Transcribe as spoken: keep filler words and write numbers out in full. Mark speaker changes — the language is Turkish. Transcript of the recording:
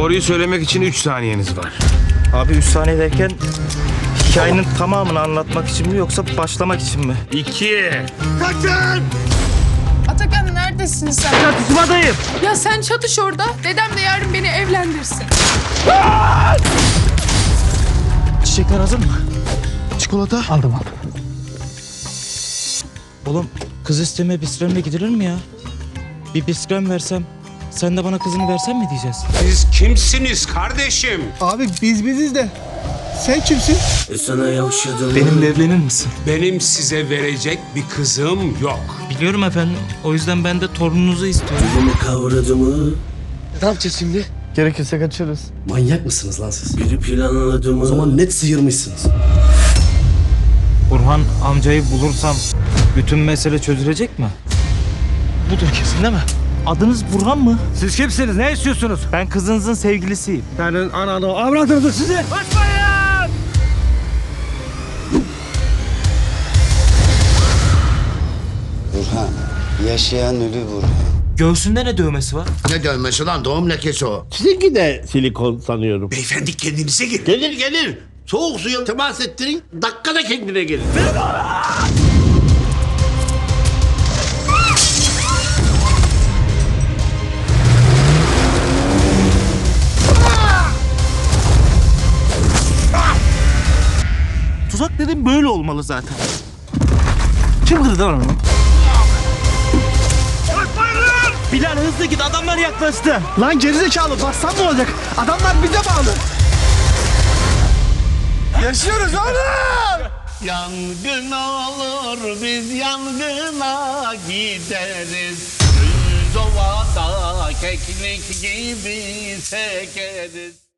Speaker 1: Doğruyu söylemek için üç saniyeniz var.
Speaker 2: Abi üç saniye derken hikayenin tamamını anlatmak için mi yoksa başlamak için mi?
Speaker 1: İki.
Speaker 3: Kaçın!
Speaker 4: Atakan neredesin sen?
Speaker 2: Çatışmadayım.
Speaker 4: Ya sen çatış orada. Dedem de yarın beni evlendirsin.
Speaker 2: Çiçekler hazır mı?
Speaker 3: Çikolata.
Speaker 2: Aldım aldım. Oğlum kız isteme biskremle gidilir mi ya? Bir biskrem versem, sen de bana kızını versen mi diyeceğiz?
Speaker 5: Siz kimsiniz kardeşim?
Speaker 3: Abi biz biziz de. Sen kimsin?
Speaker 2: Benimle evlenir misin?
Speaker 5: Benim size verecek bir kızım yok.
Speaker 2: Biliyorum efendim. O yüzden ben de torununuzu istiyorum.
Speaker 6: Ne yapacağız şimdi?
Speaker 3: Gerekirse kaçırırız.
Speaker 6: Manyak mısınız lan siz? Biri planladı. O zaman net sıyırmışsınız.
Speaker 2: Burhan amcayı bulursam bütün mesele çözülecek mi? Budur kesin değil mi? Adınız Burhan mı?
Speaker 7: Siz kimsiniz? Ne istiyorsunuz?
Speaker 2: Ben kızınızın sevgilisiyim.
Speaker 7: Senin ananı avradınız size.
Speaker 8: Burhan. Yaşayan ölü Burhan.
Speaker 2: Göğsünde ne dövmesi var?
Speaker 9: Ne dövmesi lan? Doğum lekesi o.
Speaker 7: Sizinki de silikon sanıyorum.
Speaker 5: Beyefendi kendinize gelin.
Speaker 7: Gelir gelir. Soğuk suya temas ettirin. Dakikada kendine gelir.
Speaker 2: Tuzak dedim böyle olmalı zaten. Kim kırdı lan onu? Bilal hızlı git, adamlar yaklaştı.
Speaker 3: Lan gerizekalı bassan mı olacak? Adamlar bize bağlı. Yaşıyoruz oğlum.
Speaker 7: Yangın olur biz yangına gideriz. Düz ovada keklik gibi sekeriz.